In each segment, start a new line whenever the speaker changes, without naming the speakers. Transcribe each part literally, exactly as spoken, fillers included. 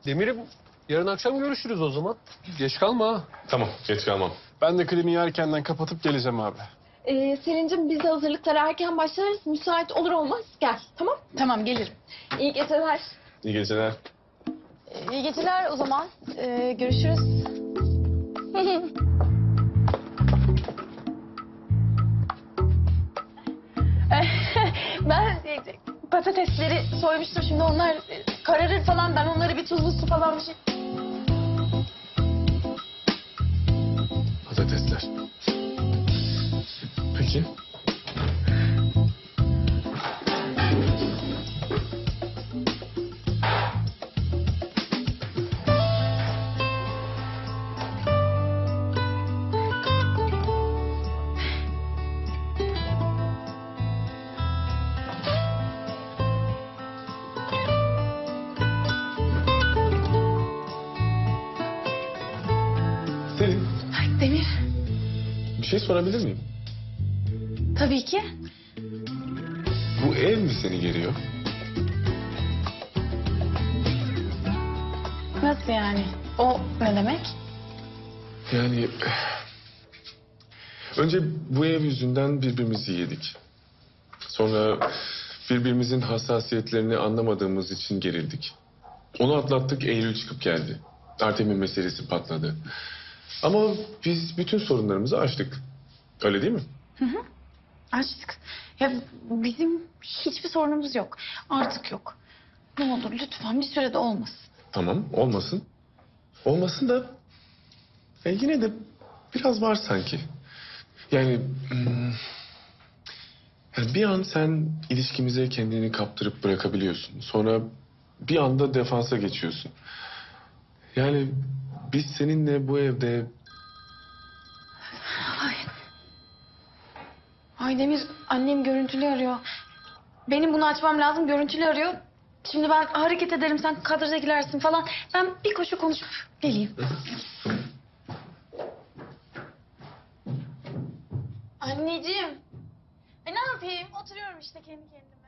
Demir'im yarın akşam görüşürüz o zaman. Geç kalma ha.
Tamam, geç kalmam.
Ben de kliniği erkenden kapatıp geleceğim abi.
Ee, Selin'cim biz de hazırlıklara erken başlarız. Müsait olur olmaz gel, tamam?
Tamam gelirim.
İyi geceler.
İyi geceler.
Ee, İyi geceler o zaman. Ee, görüşürüz. Ben e, patatesleri soymuştum. Şimdi onlar e, kararır falan. Ben onları bir tuzlu su falan bir şey...
Patatesler. Peki. Selin,
Ay, Demir.
bir şey sorabilir miyim?
Tabii ki.
Bu ev mi seni geriyor?
Nasıl yani? O ne demek?
Yani... Önce bu ev yüzünden birbirimizi yedik. Sonra birbirimizin hassasiyetlerini anlamadığımız için gerildik. Onu atlattık, Eylül çıkıp geldi. Artem'in meselesi patladı. Ama biz bütün sorunlarımızı aştık. Öyle değil mi?
Açtık. Ya bizim hiçbir sorunumuz yok. Artık yok. Ne olur lütfen bir sürede olmasın.
Tamam, olmasın. Olmasın da... e, yine de biraz var sanki. Yani... hmm, yani bir an sen ilişkimize kendini kaptırıp bırakabiliyorsun. Sonra bir anda defansa geçiyorsun. Yani biz seninle bu evde...
Ay. Ay Demir, annem görüntülü arıyor. Benim bunu açmam lazım, görüntülü arıyor. Şimdi ben hareket ederim, sen kadraja girersin falan. Ben bir koşu konuşup geleyim. Anneciğim. E ne yapayım? Oturuyorum işte kendi kendime.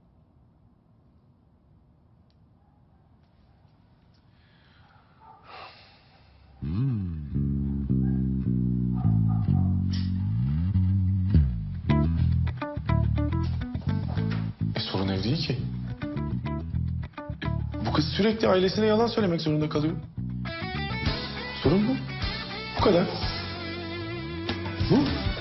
E, sorun ev değil ki. Bu kız sürekli ailesine yalan söylemek zorunda kalıyor. Sorun bu. Bu kadar. Bu.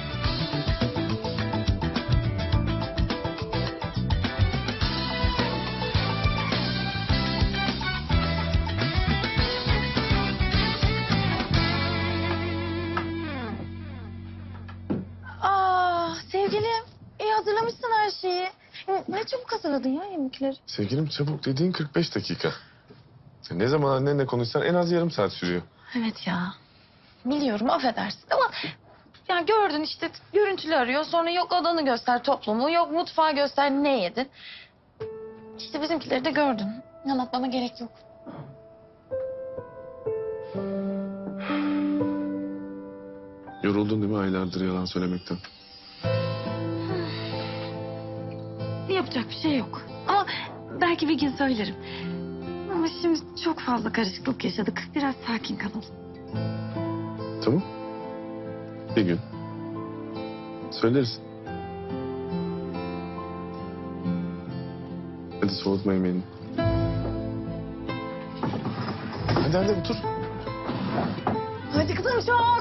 Aa sevgilim, iyi hatırlamışsın her şeyi. Ne çabuk hazırladın ya yemekleri.
Sevgilim çabuk dediğin kırk beş dakika. Sen ne zaman annenle konuşsan en az yarım saat sürüyor.
Evet ya. Biliyorum affedersin ama... Ya gördün işte görüntülü arıyor. Sonra yok odanı göster toplumu. Yok mutfağı göster ne yedin. İşte bizimkileri de gördün. Anlatmama gerek yok.
Yoruldun değil mi aylardır yalan söylemekten?
Yapacak bir şey yok. Ama belki bir gün söylerim. Ama şimdi çok fazla karışıklık yaşadık. Biraz sakin kalalım.
Tamam. Bir gün. Söyleriz. Hadi soğutma yemeğini. Hadi hadi otur.
Hadi kızım çok.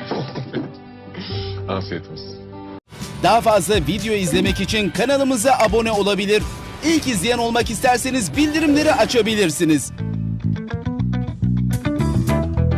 Afiyet olsun.
Daha fazla video izlemek için kanalımıza abone olabilir. İlk izleyen olmak isterseniz bildirimleri açabilirsiniz.